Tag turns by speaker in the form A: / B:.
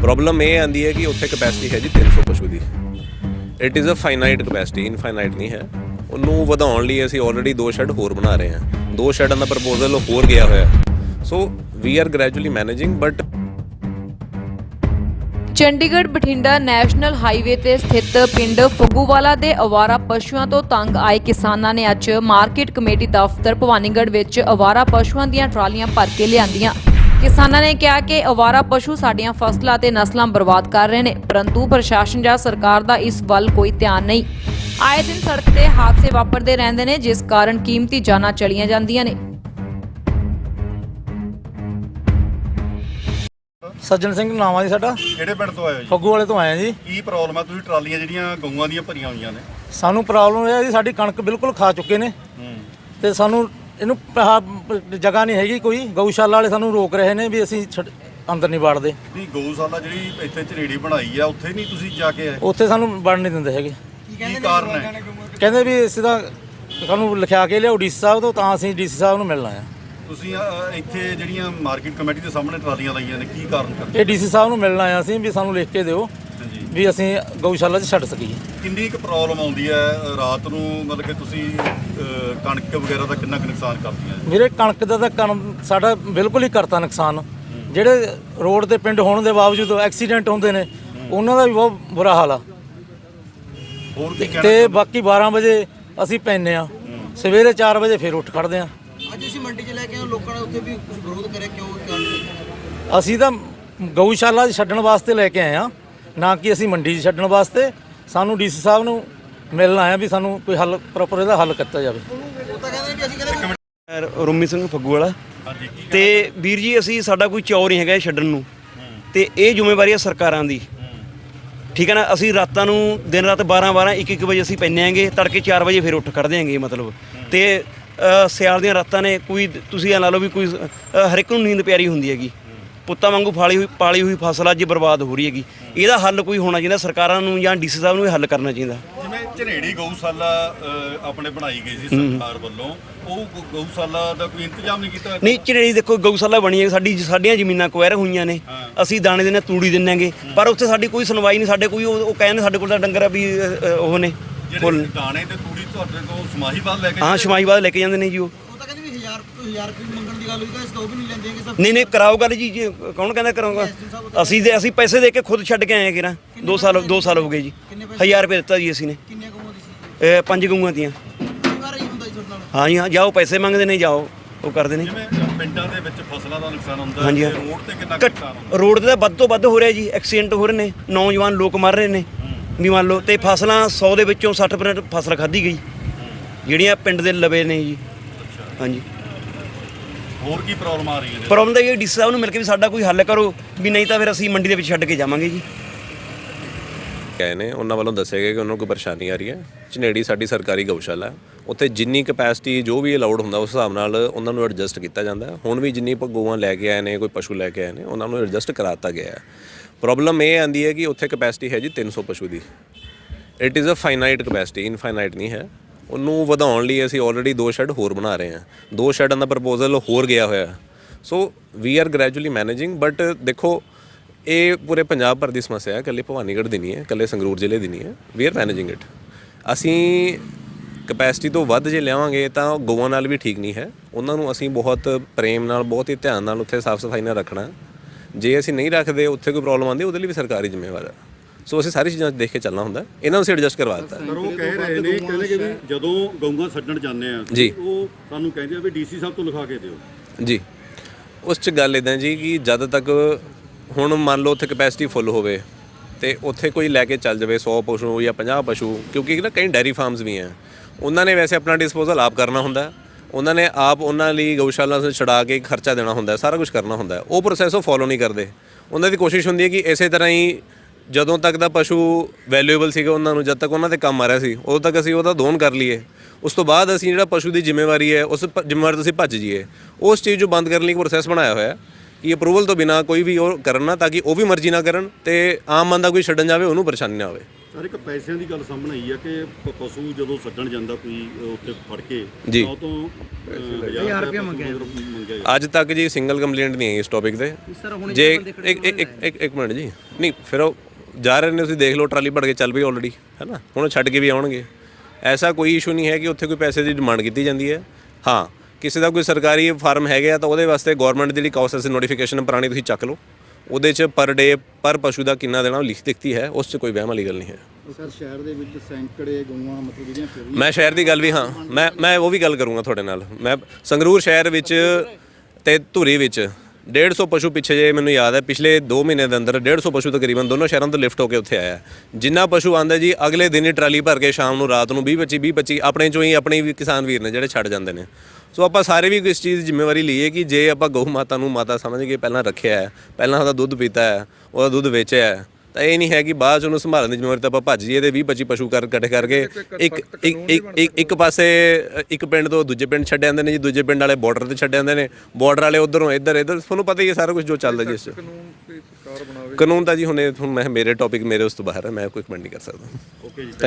A: Problem ਇਹ ਆਉਂਦੀ ਹੈ ਕਿ ਉੱਥੇ ਕਪੈਸਿਟੀ ਹੈ ਜੀ 300 ਪਸ਼ੂ ਦੀ। It is a finite capacity, infinite ਨਹੀਂ ਹੈ। ਉਹਨੂੰ ਵਧਾਉਣ ਲਈ ਅਸੀਂ ਆਲਰੇਡੀ 2 ਸ਼ੈੱਡ ਹੋਰ ਬਣਾ ਰਹੇ ਹਾਂ। 2 ਸ਼ੈੱਡਾਂ ਦਾ ਪ੍ਰਪੋਜ਼ਲ ਹੋਰ ਗਿਆ ਹੋਇਆ। So we are gradually managing but
B: Chandigarh Bathinda national highway ਤੇ ਸਥਿਤ ਪਿੰਡ ਫੱਗੂਵਾਲਾ ਦੇ ਅਵਾਰਾ ਪਸ਼ੂਆਂ ਤੋਂ ਤੰਗ ਆਏ ਕਿਸਾਨਾਂ ਨੇ ਅੱਜ ਮਾਰਕੀਟ ਕਮੇਟੀ ਦਫ਼ਤਰ ਭਵਾਨੀਗੜ੍ਹ ਵਿੱਚ ਅਵਾਰਾ ਪਸ਼ੂਆਂ ਦੀਆਂ ਟਰਾਲੀਆਂ ਭਰ ਕੇ ਲਿਆਂਦੀਆਂ। ਕਿਸਾਨਾਂ ਨੇ ਕਿਹਾ ਕਿ ਅਵਾਰਾ ਪਸ਼ੂ ਸਾਡੀਆਂ ਫਸਲਾਂ ਤੇ ਨਸਲਾਂ ਬਰਬਾਦ ਕਰ ਰਹੇ ਨੇ, ਪਰੰਤੂ ਪ੍ਰਸ਼ਾਸਨ ਜਾਂ ਸਰਕਾਰ ਦਾ ਇਸ ਵੱਲ ਕੋਈ ਧਿਆਨ ਨਹੀਂ। ਆਏ ਦਿਨ ਸੜਕ ਤੇ ਹਾਦਸੇ ਵਾਪਰਦੇ ਰਹਿੰਦੇ ਨੇ, ਜਿਸ ਕਾਰਨ ਕੀਮਤੀ ਜਾਨਾਂ ਚਲੀਆਂ ਜਾਂਦੀਆਂ ਨੇ।
C: ਸੱਜਣ ਸਿੰਘ ਨਾਮ ਆ ਜੀ ਸਾਡਾ।
D: ਕਿਹੜੇ ਪਿੰਡ ਤੋਂ ਆਏ ਹੋ ਜੀ?
C: ਫੱਗੂ ਵਾਲੇ ਤੋਂ ਆਏ ਆ ਜੀ।
D: ਕੀ ਪ੍ਰੋਬਲਮ ਆ? ਤੁਸੀਂ ਟਰਾਲੀਆਂ ਜਿਹੜੀਆਂ ਗਊਆਂ ਦੀਆਂ ਭਰੀਆਂ ਹੋਈਆਂ ਨੇ।
C: ਸਾਨੂੰ ਪ੍ਰੋਬਲਮ ਇਹ ਹੈ ਜੀ, ਸਾਡੀ ਕਣਕ ਬਿਲਕੁਲ ਖਾ ਚੁੱਕੇ ਨੇ ਤੇ ਸਾਨੂੰ ਇਹਨੂੰ ਜਗ੍ਹਾ ਨਹੀਂ ਹੈਗੀ ਕੋਈ। ਗਊਸ਼ਾਲਾ ਵਾਲੇ ਸਾਨੂੰ ਰੋਕ ਰਹੇ ਨੇ ਵੀ ਅਸੀਂ ਅੰਦਰ ਨਹੀਂ ਵੜਦੇ।
D: ਨਹੀਂ, ਗਊਸ਼ਾਲਾ ਜਿਹੜੀ ਇੱਥੇ ਝਨੇੜੀ ਬਣਾਈ ਆ ਉੱਥੇ ਨਹੀਂ ਤੁਸੀਂ ਜਾ ਕੇ ਆਏ?
C: ਉੱਥੇ ਸਾਨੂੰ ਵੜਨ ਨਹੀਂ ਦਿੰਦੇ ਹੈਗੇ।
D: ਕੀ ਕਾਰਨ ਹੈ?
C: ਕਹਿੰਦੇ ਵੀ ਇਸ ਦਾ ਸਾਨੂੰ ਲਿਖਾ ਕੇ ਲਿਆਓ ਡੀਸੀ ਸਾਹਿਬ ਤੋਂ, ਤਾਂ ਅਸੀਂ ਡੀਸੀ ਸਾਹਿਬ ਨੂੰ ਮਿਲਣਾ ਆ।
D: ਤੁਸੀਂ ਇੱਥੇ ਜਿਹੜੀਆਂ ਮਾਰਕੀਟ ਕਮੇਟੀ ਦੇ ਸਾਹਮਣੇ ਟਰਾਲੀਆਂ ਲਾਈਆਂ ਨੇ, ਕੀ ਕਾਰਨ ਕਰਦੇ?
C: ਇਹ ਡੀਸੀ ਸਾਹਿਬ ਨੂੰ ਮਿਲਣਾ ਆ ਅਸੀਂ ਵੀ ਸਾਨੂੰ ਲਿਖ ਕੇ ਦਿਓ ਵੀ ਅਸੀਂ ਗਊਸ਼ਾਲਾ 'ਚ ਛੱਡ ਸਕੀਏ।
D: ਕਿੰਨੀ ਕੁ ਪ੍ਰੋਬਲਮ ਆਉਂਦੀ ਹੈ ਰਾਤ ਨੂੰ? ਮਤਲਬ ਕਿ ਤੁਸੀਂ ਕਣਕ ਵਗੈਰਾ ਦਾ ਕਿੰਨਾ ਕੁ ਨੁਕਸਾਨ ਕਰਦੀਆਂ?
C: ਮੇਰੇ ਕਣਕ ਦਾ ਤਾਂ ਸਾਡਾ ਬਿਲਕੁਲ ਹੀ ਕਰਤਾ ਨੁਕਸਾਨ। ਜਿਹੜੇ ਰੋਡ ਤੇ ਪਿੰਡ ਹੋਣ ਦੇ ਬਾਵਜੂਦ ਐਕਸੀਡੈਂਟ ਹੁੰਦੇ ਨੇ, ਉਹਨਾਂ ਦਾ ਵੀ ਬਹੁਤ ਬੁਰਾ ਹਾਲ ਆ।
D: ਹੋਰ ਕੀ
C: ਤੇ ਬਾਕੀ 12 ਵਜੇ ਅਸੀਂ ਪੈਂਦੇ ਆ, ਸਵੇਰੇ 4 ਵਜੇ ਫਿਰ ਉੱਠ ਖੜਦੇ ਆ।
E: ਅੱਜ ਅਸੀਂ ਮੰਡੀ 'ਚ ਲੈ ਕੇ ਆਏ, ਲੋਕਾਂ ਨੇ ਉੱਥੇ ਵੀ ਕੁਝ ਵਿਰੋਧ ਕਰਿਆ, ਕਿਉਂ?
C: ਅਸੀਂ ਤਾਂ ਗਊਸ਼ਾਲਾ 'ਚ ਛੱਡਣ ਵਾਸਤੇ ਲੈ ਕੇ ਆਏ ਆ, ਨਾ ਕਿ ਅਸੀਂ ਮੰਡੀ 'ਚ ਛੱਡਣ ਵਾਸਤੇ। ਸਾਨੂੰ ਡੀਸੀ ਸਾਹਿਬ ਨੂੰ ਮਿਲਣ ਆਇਆ ਵੀ ਸਾਨੂੰ ਕੋਈ ਹੱਲ ਪ੍ਰੋਪਰ ਇਹਦਾ ਹੱਲ ਕੀਤਾ ਜਾਵੇ।
E: ਉਹ ਤਾਂ ਕਹਿੰਦੇ ਵੀ ਅਸੀਂ ਕਹਿੰਦੇ
F: ਰੋਮੀ ਸਿੰਘ ਫੱਗੂ ਵਾਲਾ।
D: ਹਾਂਜੀ,
F: ਤੇ ਵੀਰ ਜੀ ਅਸੀਂ ਸਾਡਾ ਕੋਈ ਚੌਰ ਨਹੀਂ ਹੈਗਾ ਛੱਡਣ ਨੂੰ, ਤੇ ਇਹ ਜ਼ਿੰਮੇਵਾਰੀ ਹੈ ਸਰਕਾਰਾਂ ਦੀ। ਠੀਕ ਹੈ ਨਾ। ਅਸੀਂ ਰਾਤਾਂ ਨੂੰ ਦਿਨ ਰਾਤ 12 1 ਵਜੇ ਅਸੀਂ ਪੈਂਦੇ ਆਂਗੇ, ਤੜਕੇ 4 ਵਜੇ ਫਿਰ ਉੱਠ ਖੜ੍ਹਦੇ ਆਂਗੇ ਮਤਲਬ। ਤੇ ਸਿਆਲ ਦੀਆਂ ਰਾਤਾਂ ਨੇ, ਕੋਈ ਤੁਸੀਂ ਇਹ ਲਾ ਲਓ ਵੀ ਕੋਈ ਹਰ ਇੱਕ ਨੂੰ ਨੀਂਦ ਪਿਆਰੀ ਹੁੰਦੀ ਹੈਗੀ। ਪੁੱਤਾਂ ਵਾਂਗੂ ਪਾਲੀ ਹੋਈ ਫਸਲ ਅੱਜ ਬਰਬਾਦ ਹੋ ਰਹੀ ਹੈਗੀ। ਇਹਦਾ ਹੱਲ ਕੋਈ ਹੋਣਾ ਚਾਹੀਦਾ, ਸਰਕਾਰਾਂ ਨੂੰ ਜਾਂ ਡੀਸੀ ਸਾਹਿਬ ਨੂੰ ਇਹ ਹੱਲ ਕਰਨਾ ਚਾਹੀਦਾ।
D: ਜਿਵੇਂ ਝਨੇੜੀ ਗਊਸ਼ਾਲਾ ਆਪਣੇ ਬਣਾਈ ਗਈ ਸੀ ਸਰਕਾਰ ਵੱਲੋਂ, ਉਹ ਗਊਸ਼ਾਲਾ ਦਾ ਕੋਈ ਇੰਤਜ਼ਾਮ ਨਹੀਂ ਕੀਤਾ?
F: ਨਹੀਂ, ਝਨੇੜੀ ਦੇਖੋ ਗਊਸ਼ਾਲਾ ਬਣੀ ਹੈ, ਸਾਡੀਆਂ ਜ਼ਮੀਨਾਂ ਕੁਐਰ ਹੋਈਆਂ ਨੇ, ਅਸੀਂ ਦਾਣੇ ਦਿੰਦੇ ਤੂੜੀ ਦਿੰਦੇ, ਪਰ ਉੱਥੇ ਸਾਡੀ ਕੋਈ ਸੁਣਵਾਈ ਨਹੀਂ। ਸਾਡੇ ਕੋਈ ਉਹ ਕਹਿੰਦੇ ਸਾਡੇ ਕੋਲ ਤਾਂ ਡੰਗਰ ਵੀ ਉਹ ਨੇ ਫੁੱਲ
D: ਦਾਣੇ ਤੇ ਤੂੜੀ ਤੁਹਾਡੇ ਤੋਂ ਸਮਾਹੀਵਾਲ ਲੈ ਕੇ?
F: ਹਾਂ, ਸਮਾਈਵਾਦ ਲੈ ਕੇ ਜਾਂਦੇ ਨੇ ਜੀ। ਉਹ
E: ਤਾਂ ਕਹਿੰਦੇ ਵੀ 1000 ਰੁਪਏ ਮੰਗਣ ਦੀ ਗੱਲ ਹੋਈ, ਤਾਂ ਅਸੀਂ ਤਾਂ ਉਹ ਵੀ ਨਹੀਂ ਲੈਂਦੇ ਹੈਗੇ।
F: ਨਹੀਂ ਕਰਾਓ ਗੱਲ ਜੀ। ਕੌਣ ਕਹਿੰਦਾ ਕਰਾਊਗਾ? ਅਸੀਂ ਪੈਸੇ ਦੇ ਕੇ ਖੁਦ ਛੱਡ ਕੇ ਆਏ ਕਿਰਾ। 2 ਸਾਲ ਹੋ ਗਏ ਜੀ। 1000 ਰੁਪਏ ਦਿੱਤਾ ਜੀ ਅਸੀਂ ਨੇ।
E: ਕਿੰਨੀਆਂ ਗਊਆਂ ਦੀ ਸੀ?
F: 5 ਗਊਆਂ ਦੀਆਂ।
E: ਕਈ ਵਾਰ ਹੀ ਹੁੰਦਾ ਜੀ ਤੁਹਾਡੇ ਨਾਲ।
F: ਹਾਂ ਜੀ, ਹਾਂ, ਜਾਓ ਪੈਸੇ ਮੰਗਦੇ ਨੇ, ਜਾਓ ਉਹ ਕਰਦੇ ਨੇ।
D: ਜਿਵੇਂ ਪਿੰਡਾਂ ਦੇ ਵਿੱਚ ਫਸਲਾਂ ਦਾ ਨੁਕਸਾਨ ਹੁੰਦਾ ਹੈ,
F: ਹਾਂਜੀ,
D: ਰੋਡ ਤੇ ਕਿੰਨਾ ਕੁ ਨੁਕਸਾਨ ਹੁੰਦਾ?
F: ਰੋਡ ਤੇ ਤਾਂ ਵੱਧ ਤੋਂ ਵੱਧ ਹੋ ਰਿਹਾ ਜੀ। ਐਕਸੀਡੈਂਟ ਹੋ ਰਹੇ ਨੇ, ਨੌਜਵਾਨ ਲੋਕ ਮਰ ਰਹੇ ਨੇ ਵੀ ਮੰਨ ਲਓ। ਤੇ ਫਸਲਾਂ 100 ਦੇ ਵਿੱਚੋਂ 60% ਫਸਲ ਖਾਧੀ ਗਈ ਜਿਹੜੀਆਂ ਪਿੰਡ ਦੇ ਲਵੇ ਨੇ ਜੀ। ਹਾਂਜੀ,
D: ਹੋਰ ਕੀ ਪ੍ਰੋਬਲਮ ਆ ਰਹੀ ਹੈ?
F: ਪ੍ਰੋਬਲਮ ਤਾਂ ਇਹ ਡੀਸੀ ਸਾਹਿਬ ਨੂੰ ਮਿਲ ਕੇ ਵੀ ਸਾਡਾ ਕੋਈ ਹੱਲ ਕਰੋ, ਵੀ ਨਹੀਂ ਤਾਂ ਫਿਰ ਅਸੀਂ ਮੰਡੀ ਦੇ ਵਿੱਚ ਛੱਡ ਕੇ ਜਾਵਾਂਗੇ ਜੀ।
A: ਗਏ ਨੇ, ਉਹਨਾਂ ਵੱਲੋਂ ਦੱਸਿਆ ਗਿਆ ਕਿ ਉਹਨਾਂ ਨੂੰ ਕੋਈ ਪਰੇਸ਼ਾਨੀ ਆ ਰਹੀ ਹੈ। ਝਨੇੜੀ ਸਾਡੀ ਸਰਕਾਰੀ ਗਊਸ਼ਾਲਾ, ਉੱਥੇ ਜਿੰਨੀ ਕਪੈਸਿਟੀ ਜੋ ਵੀ ਅਲਾਉਡ ਹੁੰਦਾ ਉਸ ਹਿਸਾਬ ਨਾਲ ਉਹਨਾਂ ਨੂੰ ਐਡਜਸਟ ਕੀਤਾ ਜਾਂਦਾ। ਹੁਣ ਵੀ ਜਿੰਨੀ ਗਊਆਂ ਲੈ ਕੇ ਆਏ ਨੇ, ਕੋਈ ਪਸ਼ੂ ਲੈ ਕੇ ਆਏ ਨੇ, ਉਹਨਾਂ ਨੂੰ ਐਡਜਸਟ ਕਰਾ ਦਿੱਤਾ ਗਿਆ ਹੈ। ਪ੍ਰੋਬਲਮ ਇਹ ਆਉਂਦੀ ਹੈ ਕਿ ਉੱਥੇ ਕਪੈਸਿਟੀ ਹੈ ਜੀ 300 ਪਸ਼ੂ ਦੀ। It is a finite capacity, infinite ਨਹੀਂ ਹੈ। ਉਹਨੂੰ ਵਧਾਉਣ ਲਈ ਅਸੀਂ ਆਲਰੇਡੀ 2 ਸ਼ੈੱਡ ਹੋਰ ਬਣਾ ਰਹੇ ਹਾਂ। 2 ਸ਼ੈੱਡਾਂ ਦਾ ਪ੍ਰਪੋਜ਼ਲ ਹੋਰ ਗਿਆ ਹੋਇਆ। So we are gradually managing but ਦੇਖੋ, ਇਹ ਪੂਰੇ ਪੰਜਾਬ ਭਰ ਦੀ ਸਮੱਸਿਆ ਹੈ, ਇਕੱਲੇ ਭਵਾਨੀਗੜ੍ਹ ਦੀ ਨਹੀਂ ਹੈ, ਇਕੱਲੇ ਸੰਗਰੂਰ ਜ਼ਿਲ੍ਹੇ ਦੀ ਨਹੀਂ ਹੈ। We are managing it. ਅਸੀਂ ਕਪੈਸਿਟੀ ਤੋਂ ਵੱਧ ਜੇ ਲਿਆਵਾਂਗੇ ਤਾਂ ਗਊਆਂ ਨਾਲ ਵੀ ਠੀਕ ਨਹੀਂ ਹੈ। ਉਹਨਾਂ ਨੂੰ ਅਸੀਂ ਬਹੁਤ ਪ੍ਰੇਮ ਨਾਲ, ਬਹੁਤ ਹੀ ਧਿਆਨ ਨਾਲ ਉੱਥੇ ਸਾਫ਼ ਸਫਾਈ ਨਾਲ ਰੱਖਣਾ। ਜੇ ਅਸੀਂ ਨਹੀਂ ਰੱਖਦੇ, ਉੱਥੇ ਕੋਈ ਪ੍ਰੋਬਲਮ ਆਉਂਦੀ, ਉਹਦੇ ਲਈ ਵੀ ਸਰਕਾਰੀ ਜ਼ਿੰਮੇਵਾਰ ਹੈ। ਸੋ ਅਸੀਂ ਸਾਰੀ ਚੀਜ਼ਾਂ ਦੇਖ ਕੇ ਚੱਲਣਾ ਹੁੰਦਾ। ਇਹਨਾਂ ਨੂੰ ਅਸੀਂ ਐਡਜਸਟ ਕਰਵਾ ਦਿੱਤਾ।
D: ਪਰ ਉਹ ਕਹਿ ਰਹੇ ਨੇ, ਕਹਿੰਦੇ ਕਿ ਵੀ ਜਦੋਂ ਗਊਆਂ ਛੱਡਣ ਜਾਂਦੇ ਆ
A: ਜੀ,
D: ਉਹ ਸਾਨੂੰ ਕਹਿੰਦੇ ਆ ਵੀ ਡੀਸੀ ਸਾਹਿਬ ਤੋਂ ਲਿਖਾ ਕੇ ਦਿਓ
A: ਜੀ। ਉਸ 'ਚ ਗੱਲ ਇੱਦਾਂ ਜੀ ਕਿ ਜਦ ਤੱਕ ਹੁਣ ਮੰਨ ਲਓ ਉੱਥੇ ਕਪੈਸਿਟੀ ਫੁੱਲ ਹੋਵੇ ਅਤੇ ਉੱਥੇ ਕੋਈ ਲੈ ਕੇ ਚੱਲ ਜਾਵੇ 100 ਪਸ਼ੂ ਜਾਂ 50 ਪਸ਼ੂ, ਕਿਉਂਕਿ ਨਾ ਕਈ ਡੈਰੀ ਫਾਰਮਸ ਵੀ ਹੈ, ਉਹਨਾਂ ਨੇ ਵੈਸੇ ਆਪਣਾ ਡਿਸਪੋਜ਼ਲ ਆਪ ਕਰਨਾ ਹੁੰਦਾ। ਉਹਨਾਂ ਨੇ ਆਪ ਉਹਨਾਂ ਲਈ ਗਊਸ਼ਾਲਾ ਤੋਂ ਛੁਡਾ ਕੇ ਖਰਚਾ ਦੇਣਾ ਹੁੰਦਾ, ਸਾਰਾ ਕੁਝ ਕਰਨਾ ਹੁੰਦਾ। ਉਹ ਪ੍ਰੋਸੈਸ ਉਹ ਫੋਲੋ ਨਹੀਂ ਕਰਦੇ। ਉਹਨਾਂ ਦੀ ਕੋਸ਼ਿਸ਼ ਹੁੰਦੀ ਹੈ ਕਿ ਇਸੇ ਤਰ੍ਹਾਂ ਹੀ ਜਦੋਂ ਤੱਕ ਦਾ ਪਸ਼ੂ ਵੈਲਿਊਏਬਲ ਸੀਗਾ ਉਹਨਾਂ ਨੂੰ, ਜਦ ਤੱਕ ਉਹਨਾਂ 'ਤੇ ਕੰਮ ਆ ਰਿਹਾ ਸੀ, ਉਦੋਂ ਤੱਕ ਅਸੀਂ ਉਹਦਾ ਦੋਨ ਕਰ ਲਈਏ। ਉਸ ਤੋਂ ਬਾਅਦ ਅਸੀਂ ਜਿਹੜਾ ਪਸ਼ੂ ਦੀ ਜ਼ਿੰਮੇਵਾਰੀ ਹੈ, ਉਸ ਜ਼ਿੰਮੇਵਾਰੀ ਤੋਂ ਅਸੀਂ ਭੱਜ ਜਾਈਏ। ਉਸ ਚੀਜ਼ ਨੂੰ ਬੰਦ ਕਰਨ ਲਈ ਇੱਕ ਪ੍ਰੋਸੈਸ ਬਣਾਇਆ ਹੋਇਆ ਕਿ ਅਪਰੂਵਲ ਤੋਂ ਬਿਨਾਂ ਕੋਈ ਵੀ ਉਹ ਕਰਨ ਨਾ, ਤਾਂ ਕਿ ਉਹ ਵੀ ਮਰਜ਼ੀ ਨਾ ਕਰਨ ਅਤੇ ਆਮ ਬੰਦਾ ਕੋਈ ਛੱਡਣ ਜਾਵੇ ਉਹਨੂੰ ਪਰੇਸ਼ਾਨੀ ਨਾ ਹੋਵੇ।
D: ਸਰ ਇੱਕ ਪੈਸਿਆਂ ਦੀ ਗੱਲ ਸਾਹਮਣੇ ਆਈ ਆ ਕਿ ਪਸ਼ੂ ਜਦੋਂ ਛੱਡਣ ਜਾਂਦਾ ਕੋਈ ਉੱਥੇ ਫੜ ਕੇ
A: ਜੀ।
D: ਤਾਂ ਉਹ ਤੋਂ 1000 ਰੁਪਏ ਮੰਗਿਆ
A: ਅੱਜ ਤੱਕ ਜੀ ਸਿੰਗਲ ਕੰਪਲੇਂਟ ਨਹੀਂ ਆਈ ਇਸ ਟੌਪਿਕ ਤੇ ਜੇ ਇੱਕ ਮਿੰਟ ਜੀ ਨਹੀਂ ਫਿਰ ਉਹ ਜਾ ਰਹੇ ਨੇ ਤੁਸੀਂ ਦੇਖ ਲਓ ਟਰਾਲੀ ਭੜ ਕੇ ਚੱਲ ਪਈ ਆਲਰੇਡੀ ਹੈ ਨਾ ਹੁਣ ਉਹ ਛੱਡ ਕੇ ਵੀ ਆਉਣਗੇ ਐਸਾ ਕੋਈ ਇਸ਼ੂ ਨਹੀਂ ਹੈ ਕਿ ਉੱਥੇ ਕੋਈ ਪੈਸੇ ਦੀ ਡਿਮਾਂਡ ਕੀਤੀ ਜਾਂਦੀ ਹੈ ਹਾਂ ਕਿਸੇ ਦਾ ਕੋਈ ਸਰਕਾਰੀ ਫਾਰਮ ਹੈਗੇ ਆ ਤਾਂ ਉਹਦੇ ਵਾਸਤੇ ਗਵਰਨਮੈਂਟ ਦੀ ਜਿਹੜੀ ਕਾਸਟ ਨੋਟੀਫਿਕੇਸ਼ਨ ਪੁਰਾਣੀ ਤੁਸੀਂ ਚੱਕ ਲਓ ਉਹਦੇ 'ਚ ਪਰ ਡੇ ਪਰ ਪਸ਼ੂ ਦਾ ਕਿੰਨਾ ਦੇਣਾ ਉਹ ਲਿਖ ਦਿੱਤੀ ਹੈ ਉਸ 'ਚ ਕੋਈ ਵਹਿਮ ਵਾਲੀ ਗੱਲ ਨਹੀਂ ਹੈ
E: ਸਰ ਸ਼ਹਿਰ ਦੇ ਵਿੱਚ ਸੈਂਕੜੇ ਗਊਆਂ ਮਤਲਬ ਜਿਹੜੀਆਂ ਫਿਰ
A: ਮੈਂ ਸ਼ਹਿਰ ਦੀ ਗੱਲ ਵੀ ਹਾਂ ਮੈਂ ਉਹ ਵੀ ਗੱਲ ਕਰੂੰਗਾ ਤੁਹਾਡੇ ਨਾਲ ਮੈਂ ਸੰਗਰੂਰ ਸ਼ਹਿਰ ਵਿੱਚ ਤੇ ਧੂਰੀ ਵਿੱਚ 150 ਪਸ਼ੂ ਪਿੱਛੇ ਜੇ ਮੈਨੂੰ ਯਾਦ ਹੈ ਪਿਛਲੇ 2 ਮਹੀਨੇ ਦੇ ਅੰਦਰ 150 ਪਸ਼ੂ ਤਕਰੀਬਨ ਦੋਨੋਂ ਸ਼ਹਿਰਾਂ ਤੋਂ ਲਿਫਟ ਹੋ ਕੇ ਉੱਥੇ ਆਇਆ ਜਿੰਨਾ ਪਸ਼ੂ ਆਂਦਾ ਜੀ ਅਗਲੇ ਦਿਨ ਹੀ ਟਰਾਲੀ ਭਰ ਕੇ ਸ਼ਾਮ ਨੂੰ ਰਾਤ ਨੂੰ 20-25 ਆਪਣੇ ਚੋਂ ਹੀ ਆਪਣੇ ਵੀ ਕਿਸਾਨ ਵੀਰ ਨੇ ਜਿਹੜੇ ਛੱਡ ਜਾਂਦੇ ਨੇ ਸੋ ਆਪਾਂ ਸਾਰੇ ਵੀ ਇਸ ਚੀਜ਼ ਦੀ ਜ਼ਿੰਮੇਵਾਰੀ ਲਈਏ ਕਿ ਜੇ ਆਪਾਂ ਗਊ ਮਾਤਾ ਨੂੰ ਮਾਤਾ ਸਮਝ ਕੇ ਪਹਿਲਾਂ ਰੱਖਿਆ ਹੈ ਪਹਿਲਾਂ ਉਹਦਾ ਦੁੱਧ ਪੀਤਾ ਹੈ ਉਹਦਾ ਦੁੱਧ ਵੇਚਿਆ ਹੈ ਤਾਂ ਇਹ ਨਹੀਂ ਹੈ ਕਿ ਬਾਅਦ 'ਚ ਉਹਨੂੰ ਸੰਭਾਲਣ ਦੀ ਜ਼ਿੰਮੇਵਾਰੀ ਤਾਂ ਆਪਾਂ ਭੱਜ ਜਾਈਏ ਤੇ 20-25 ਪਸ਼ੂ ਇਕੱਠੇ ਕਰਕੇ ਇੱਕ ਪਾਸੇ ਇੱਕ ਪਿੰਡ ਤੋਂ ਦੂਜੇ ਪਿੰਡ ਛੱਡ ਜਾਂਦੇ ਨੇ ਜੀ ਦੂਜੇ ਪਿੰਡ ਵਾਲੇ ਬਾਰਡਰ ਤੇ ਛੱਡ ਜਾਂਦੇ ਨੇ ਬਾਰਡਰ ਵਾਲੇ ਉੱਧਰੋਂ ਇੱਧਰ ਤੁਹਾਨੂੰ ਪਤਾ ਹੀ ਹੈ ਸਾਰਾ ਕੁਝ ਜੋ ਚੱਲਦਾ ਜੀ ਇਸ 'ਚ ਕਾਨੂੰਨ ਤਾਂ ਜੀ ਹੁਣ ਮੈਂ ਮੇਰੇ ਟੌਪਿਕ ਮੇਰੇ ਉਸ ਤੋਂ ਬਾਹਰ ਹੈ ਮੈਂ ਕੋਈ ਕਮੈਂਟ ਨਹੀਂ ਕਰ ਸਕਦਾ
D: ਓਕੇ ਜੀ